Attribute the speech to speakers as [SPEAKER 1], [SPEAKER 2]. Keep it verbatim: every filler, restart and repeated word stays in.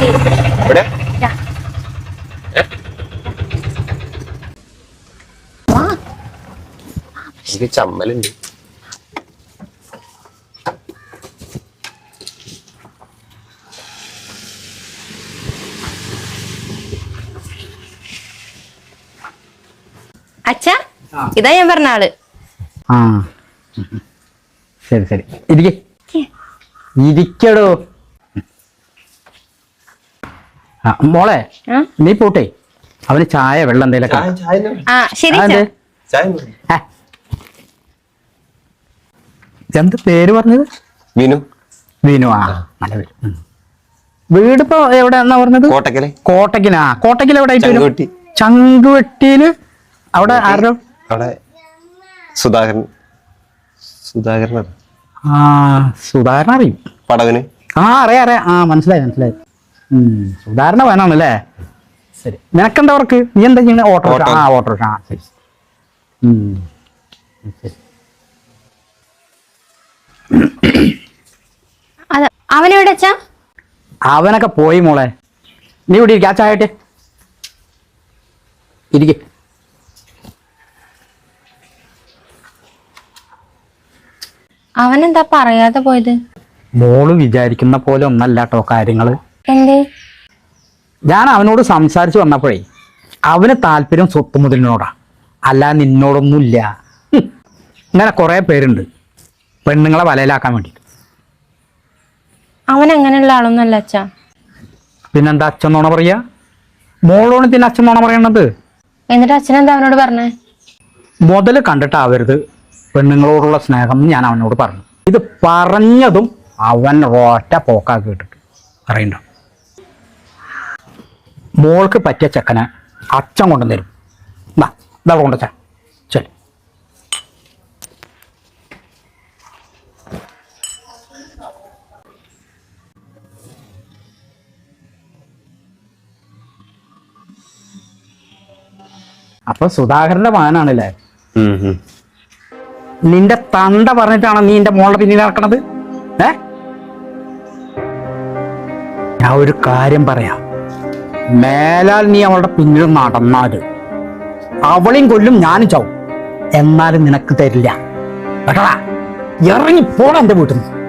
[SPEAKER 1] എനിക്ക് ചമ്മലുണ്ട്.
[SPEAKER 2] അച്ഛാ, ഇതാ ഞാൻ പറഞ്ഞ ആള്.
[SPEAKER 3] ആ ശരി ശരി ഇരിക്കേ ഇരിക്കടോ. ആ മോളെ, നീ പോട്ടെ, അവന് ചായ വെള്ളം എന്തേലൊക്കെ.
[SPEAKER 2] ആ ശരി.
[SPEAKER 3] എന്ത് പേര് പറഞ്ഞത്?
[SPEAKER 1] വിനു.
[SPEAKER 3] വിനു. ആ നല്ല പേര്. വീടിപ്പോ എവിടെയാന്നാ പറഞ്ഞത്?
[SPEAKER 1] കോട്ടക്കല്.
[SPEAKER 3] കോട്ടക്കിനാ? കോട്ടക്കിൽ എവിടെ ആയിട്ട്?
[SPEAKER 1] ചങ്കുവെട്ടി.
[SPEAKER 3] ചങ്കുവെട്ടിയില് അവിടെ ആരോ?
[SPEAKER 1] അവിടെ സുധാകരൻ. സുധാകരൻ.
[SPEAKER 3] ആ സുധാകരൻ അറിയും.
[SPEAKER 1] പടവിന്. ആ
[SPEAKER 3] അറിയാം അറിയാം. ആ മനസ്സിലായി മനസ്സിലായി. ഉം സുധാകരന വേണാണല്ലേ? ശരി. നിനക്കെന്താ വർക്ക്? നീ എന്താ ചെയ്യുന്നത്? ഓട്ടോറിക്ഷ. ആ ഓട്ടോറിക്ഷ. ആ ശരി. ഉം ശരി.
[SPEAKER 2] അവനെവിടെ അച്ഛാ?
[SPEAKER 3] അവനൊക്കെ പോയി മോളെ. നീ ഇവിടെ ഇരിക്ക. ആ ചായട്ടെ ഇരിക്ക.
[SPEAKER 2] അവനെന്താ പറയാതെ പോയത്?
[SPEAKER 3] മോള് വിചാരിക്കുന്ന പോലെ ഒന്നല്ല കേട്ടോ കാര്യങ്ങള്.
[SPEAKER 2] എന്തേ?
[SPEAKER 3] ഞാൻ അവനോട് സംസാരിച്ചു വന്നപ്പോഴേ അവന് താല്പര്യം സ്വത്ത് മുതലിനോടാ, അല്ല നിന്നോടൊന്നുമില്ല. ഇങ്ങനെ കുറെ പേരുണ്ട് പെണ്ണുങ്ങളെ വലയിലാക്കാൻ വേണ്ടിട്ട്.
[SPEAKER 2] അവൻ അങ്ങനെയുള്ള ആളൊന്നല്ല അച്ഛാ.
[SPEAKER 3] പിന്നെന്താ അച്ഛൻ നോണ പറയാ? മോളോണ് പിന്നെ അച്ഛൻ നോണ പറയണത്.
[SPEAKER 2] എന്നിട്ട് അച്ഛൻ എന്താ അവനോട് പറഞ്ഞേ?
[SPEAKER 3] മുതല് കണ്ടിട്ടാവരുത് പെണ്ണുങ്ങളോടുള്ള സ്നേഹം ഞാൻ അവനോട് പറഞ്ഞു. ഇത് പറഞ്ഞതും അവൻ ഒറ്റ പോക്കാ കേട്ടിട്ട് അറിയണ്ട. മോൾക്ക് പറ്റിയ ചെക്കനെ അച്ഛൻ കൊണ്ടുവന്നരും. ഇതാ കൊണ്ടുവച്ച. ശരി. അപ്പൊ സുധാകരന്റെ മകനാണല്ലേ? നിന്റെ തണ്ട പറഞ്ഞിട്ടാണ് നീ എന്റെ മോളുടെ പിന്നിൽ നടക്കണത്? ഏ ഞാൻ ഒരു കാര്യം പറയാം, മേലാൽ നീ അവളുടെ പിന്നിൽ നടന്നാല് അവളെയും കൊല്ലും, ഞാനും ചാവും. എന്നാലും നിനക്ക് തരില്ല കേട്ടടാ. ഇറങ്ങി പോടാ എന്റെ വീട്ടിൽ നിന്ന്.